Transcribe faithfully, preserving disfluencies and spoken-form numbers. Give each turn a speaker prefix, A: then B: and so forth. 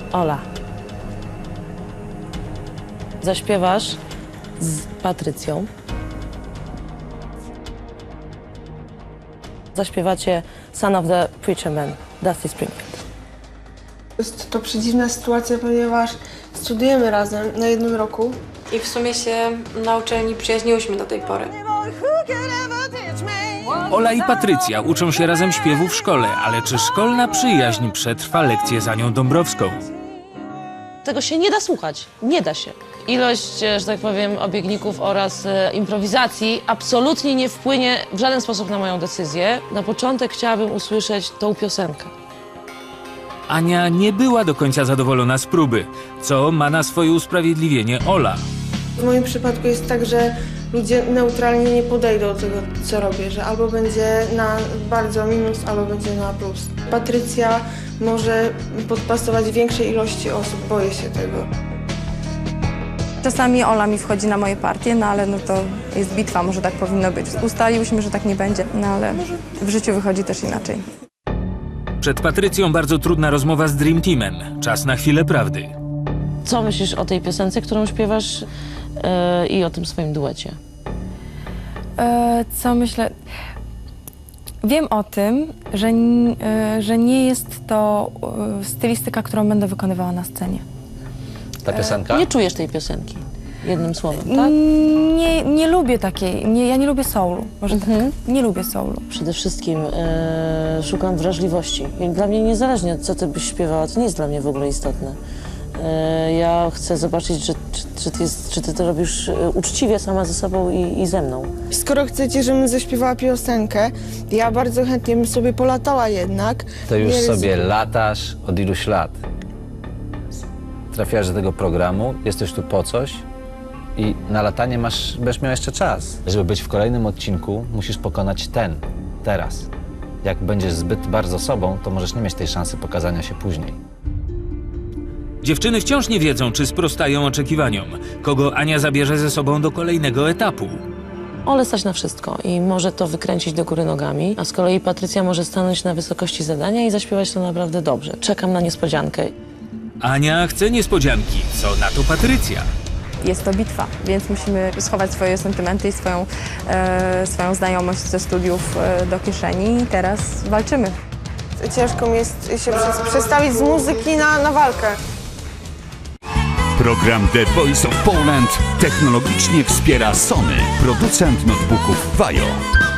A: Ola. Zaśpiewasz z Patrycją. Zaśpiewacie Son of the Preacher Man, Dusty Springfield.
B: Jest to przedziwna sytuacja, ponieważ studujemy razem na jednym roku.
C: I w sumie się na uczelni przyjaźniłyśmy do tej pory.
D: Ola i Patrycja uczą się razem śpiewu w szkole, ale czy szkolna przyjaźń przetrwa lekcję za nią Dąbrowską?
A: Tego się nie da słuchać, nie da się. Ilość, że tak powiem, obiegników oraz e, improwizacji absolutnie nie wpłynie w żaden sposób na moją decyzję. Na początek chciałabym usłyszeć tą piosenkę.
D: Ania nie była do końca zadowolona z próby, co ma na swoje usprawiedliwienie Ola.
B: W moim przypadku jest tak, że ludzie neutralnie nie podejdą do tego, co robię, że albo będzie na bardzo minus, albo będzie na plus. Patrycja może podpasować większej ilości osób, boję się tego.
E: Czasami Ola mi wchodzi na moje partie, no ale no to jest bitwa, może tak powinno być. Ustaliłyśmy, że tak nie będzie, no ale w życiu wychodzi też inaczej.
D: Przed Patrycją bardzo trudna rozmowa z Dream Teamem. Czas na chwilę prawdy.
A: Co myślisz o tej piosence, którą śpiewasz e, i o tym swoim duecie?
E: E, co myślę? Wiem o tym, że, n- e, że nie jest to e, stylistyka, którą będę wykonywała na scenie.
F: Ta piosenka?
A: Nie czujesz tej piosenki, jednym słowem, tak?
E: Nie, nie lubię takiej, nie, ja nie lubię soulu, może
A: Mhm.
E: tak. Nie lubię soulu.
A: Przede wszystkim e, szukam wrażliwości. I dla mnie niezależnie od co ty byś śpiewała, to nie jest dla mnie w ogóle istotne. E, ja chcę zobaczyć, że, czy, czy, ty jest, czy ty to robisz e, uczciwie sama ze sobą i, i ze mną.
B: Skoro chcecie, żebym zaśpiewała piosenkę, ja bardzo chętnie bym sobie polatała jednak.
F: To już
B: Nie
F: sobie
B: ryzykuję.
F: latasz od iluś lat. Trafiasz do tego programu, jesteś tu po coś i na latanie masz, będziesz miał jeszcze czas. Żeby być w kolejnym odcinku, musisz pokonać ten, teraz. Jak będziesz zbyt bardzo sobą, to możesz nie mieć tej szansy pokazania się później.
D: Dziewczyny wciąż nie wiedzą, czy sprostają oczekiwaniom. Kogo Ania zabierze ze sobą do kolejnego etapu.
A: Ole stać na wszystko i może to wykręcić do góry nogami, a z kolei Patrycja może stanąć na wysokości zadania i zaśpiewać to naprawdę dobrze. Czekam na niespodziankę.
D: Ania chce niespodzianki, co na to Patrycja.
E: Jest to bitwa, więc musimy schować swoje sentymenty i swoją, e, swoją znajomość ze studiów e, do kieszeni i teraz walczymy.
B: Ciężko mi jest się przez- przestawić z muzyki na, na walkę.
G: Program The Voice of Poland technologicznie wspiera Sony, producent notebooków Vajo.